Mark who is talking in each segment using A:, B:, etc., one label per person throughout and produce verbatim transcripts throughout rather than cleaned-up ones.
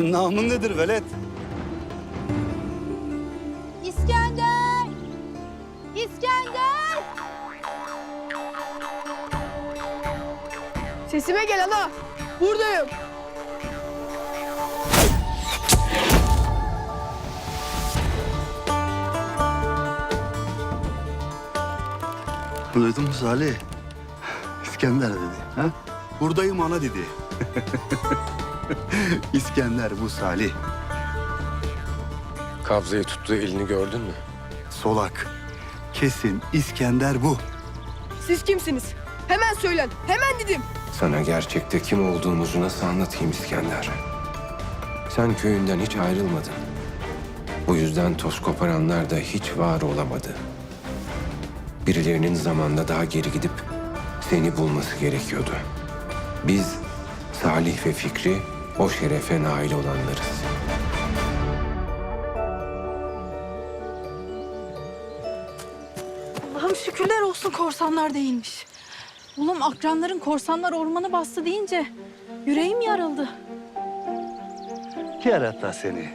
A: Senin namın nedir velet?
B: İskender! İskender!
C: Sesime gel ana. Buradayım.
A: Duydun mu Salih? İskender dedi. Ha? Buradayım ana dedi. İskender bu Salih.
D: Kabzayı tuttuğu elini gördün mü?
A: Solak. Kesin İskender bu.
C: Siz kimsiniz? Hemen söylen. Hemen dedim.
D: Sana gerçekte kim olduğumuzu nasıl anlatayım İskender? Sen köyünden hiç ayrılmadın. Bu yüzden toz koparanlar da hiç var olamadı. Birilerinin zamanla daha geri gidip seni bulması gerekiyordu. Biz Salih ve Fikri o şerefe nail olanlarız.
B: Allah'ım şükürler olsun korsanlar değilmiş. Oğlum akranların korsanlar ormanı bastı deyince yüreğim yarıldı.
A: Yarata seni.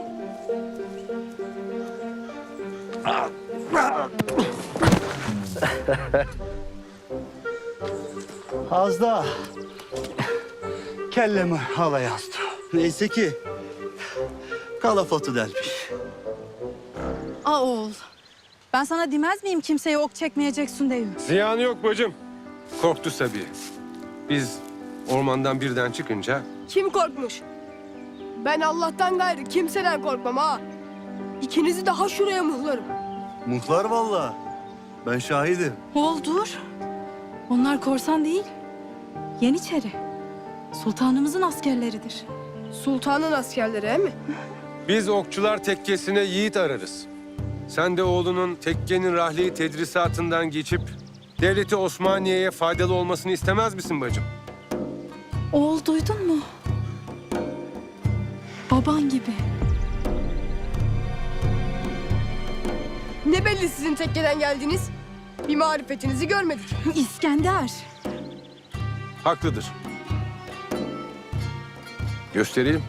A: Az daha kellemi havaya astı. Neyse ki kalafotu delmiş.
B: Aa oğul. Ben sana demez miyim kimseye ok çekmeyeceksin diye.
D: Ziyanı yok bacım. Korktu Sabiha. Biz ormandan birden çıkınca
C: Kim korkmuş? Ben Allah'tan gayrı kimseden korkmam ha. İkinizi daha şuraya mıhlarım.
A: Muhlar vallahi. Ben şahidim.
B: Oğul dur. Onlar korsan değil. Yeniçeri. Sultanımızın askerleridir.
C: Sultanın askerleri he mi?
D: biz okçular tekkesine yiğit ararız. Sen de oğlunun tekkenin rahli tedrisatından geçip devleti Osmaniye'ye faydalı olmasını istemez misin bacım?
B: Oğul duydun mu? Baban gibi.
C: Ne belli sizin tekkeden geldiğiniz? Bir marifetinizi görmedik.
B: İskender.
D: Haklıdır. Göstereyim.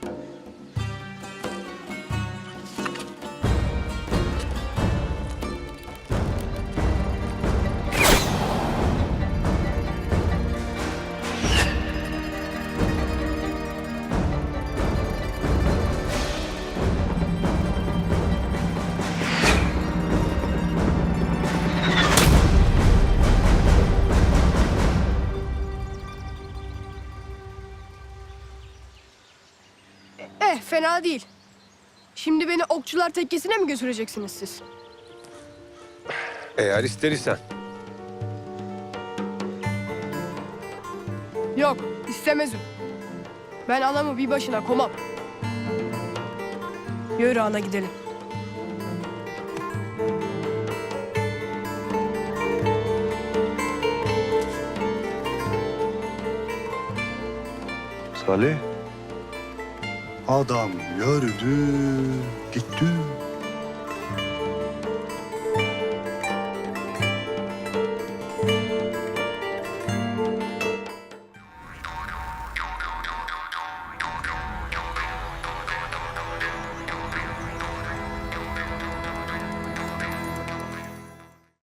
C: Eh fena değil. Şimdi beni okçular tekkesine mi götüreceksiniz siz?
D: Eğer ister isen.
C: Yok istemezim. Ben anamı bir başına komam. Yürü ana gidelim.
A: Salih. Adam yürüdü, gitti.